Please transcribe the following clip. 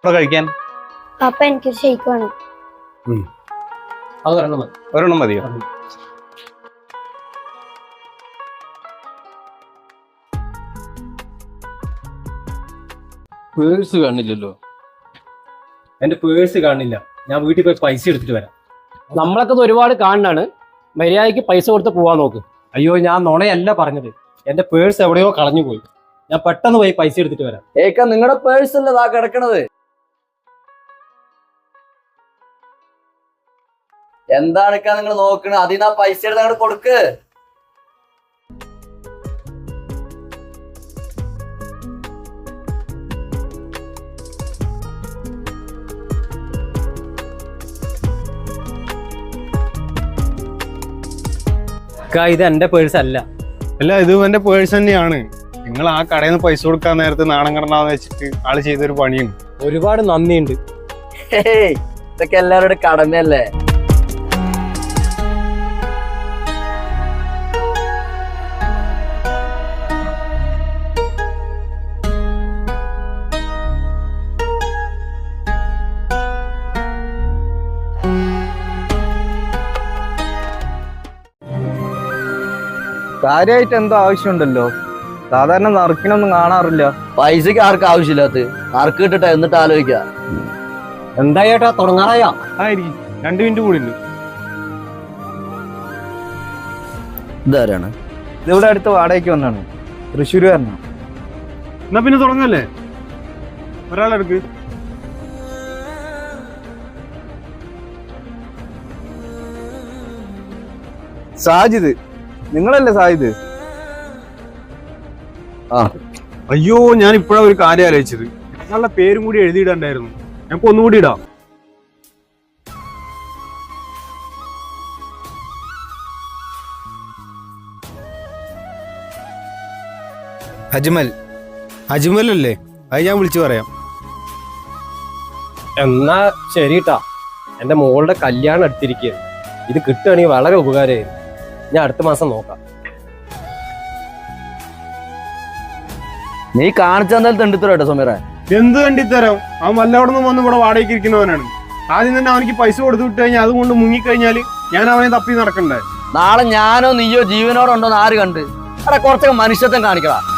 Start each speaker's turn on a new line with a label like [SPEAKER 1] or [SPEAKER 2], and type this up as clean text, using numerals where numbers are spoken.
[SPEAKER 1] കഴിക്കാൻ
[SPEAKER 2] പപ്പ എനിക്കൊരു ഷെയ്ക്ക് വേണം.
[SPEAKER 3] അത് ഒരെണ്ണം മതി.
[SPEAKER 1] ഒരെണ്ണം മതിയോ?
[SPEAKER 3] പേഴ്സ് കാണില്ലല്ലോ. എന്റെ പേഴ്സ് കാണില്ല. ഞാൻ വീട്ടിൽ പോയി പൈസ എടുത്തിട്ട് വരാം.
[SPEAKER 4] നമ്മളൊക്കെ ഇത് ഒരുപാട് കാണാണ്. മര്യാദയ്ക്ക് പൈസ കൊടുത്ത് പോവാൻ നോക്ക്.
[SPEAKER 3] അയ്യോ, ഞാൻ നുണയല്ല പറഞ്ഞത്. എന്റെ പേഴ്സ് എവിടെയോ കളഞ്ഞു പോയി. ഞാൻ പെട്ടെന്ന് പോയി പൈസ എടുത്തിട്ട് വരാം.
[SPEAKER 5] ഏക്ക നിങ്ങളുടെ പേഴ്സ് അല്ലേ ഇതാ കിടക്കണത്? എന്താണ് നിങ്ങൾ നോക്കണത്? അതിനാ പൈസ എടുത്ത് അങ്ങോട്ട് കൊടുക്ക്.
[SPEAKER 3] ഇത് എന്റെ പേഴ്സ് അല്ല.
[SPEAKER 1] അല്ല, ഇത് എന്റെ പേഴ്സ് തന്നെയാണ്. നിങ്ങൾ ആ കടയിൽ നിന്ന് പൈസ കൊടുക്കാൻ നേരത്ത് നാണം കടന്നാന്ന് വെച്ചിട്ട് ആള് ചെയ്തൊരു പണിയും.
[SPEAKER 3] ഒരുപാട് നന്ദിയുണ്ട്.
[SPEAKER 5] ഇതൊക്കെ എല്ലാവരുടെ കടമയല്ലേ.
[SPEAKER 6] കാര്യമായിട്ട് എന്തോ ആവശ്യമുണ്ടല്ലോ. സാധാരണ നറുക്കിനൊന്നും കാണാറില്ല.
[SPEAKER 5] പൈസക്ക് ആർക്കും ആവശ്യമില്ലാത്ത നറുക്ക് കിട്ടിട്ട് എന്നിട്ട് ആലോചിക്ക.
[SPEAKER 3] എന്താ ചേട്ടാ, തുടങ്ങാറായാ?
[SPEAKER 1] ആയിരിക്കും, 2 മിനിറ്റ് കൂടി ഉണ്ട്.
[SPEAKER 5] ഇതാരാണ്?
[SPEAKER 6] ഇതിവിടെ അടുത്ത് വാടകയ്ക്ക് വന്നാണ്. തൃശ്ശൂരുകാരനാണ്.
[SPEAKER 1] എന്നാ പിന്നെ തുടങ്ങല്ലേ? ഒരാളെടുക്ക്.
[SPEAKER 6] സാജിദ്, നിങ്ങളല്ലേ സാജിദ്?
[SPEAKER 1] അയ്യോ, ഞാൻ ഇപ്പോഴാ ഒരു കാര്യം ആലോചിച്ചത്. ഞങ്ങളുടെ പേരും കൂടി എഴുതിയിടണ്ടായിരുന്നു. ഞങ്ങൾക്ക് ഒന്നുകൂടി ഇടാം. അജ്മൽ. അജ്മൽ അല്ലേ? അത് ഞാൻ വിളിച്ചു പറയാം.
[SPEAKER 3] എന്നാ ശരിട്ടാ. എന്റെ മോളുടെ കല്യാണം എടുത്തിരിക്കുകയാണ്. ഇത് കിട്ടുകയാണെങ്കിൽ വളരെ ഉപകാരമായിരുന്നു. ഞാൻ അടുത്ത മാസം നോക്കാം.
[SPEAKER 5] നീ കാണിച്ചെന്തായാലും തെണ്ടിത്തരോ കേട്ടോ സമീറ.
[SPEAKER 1] എന്ത് കണ്ടിത്തരാം? അവൻ വല്ലവിടെ നിന്ന് വന്ന് ഇവിടെ വാടകയ്ക്ക് ഇരിക്കുന്നവനാണ്. ആദ്യം തന്നെ അവനിക്ക് പൈസ കൊടുത്തു വിട്ട് കഴിഞ്ഞാൽ അതുകൊണ്ട് മുങ്ങിക്കഴിഞ്ഞാൽ ഞാൻ അവനെ തപ്പി നടക്കണ്ടേ?
[SPEAKER 5] നാളെ ഞാനോ നീയോ ജീവനോടുണ്ടോന്ന് ആര് കണ്ട്? അവിടെ കുറച്ചൊക്കെ മനുഷ്യത്വം കാണിക്കടാ.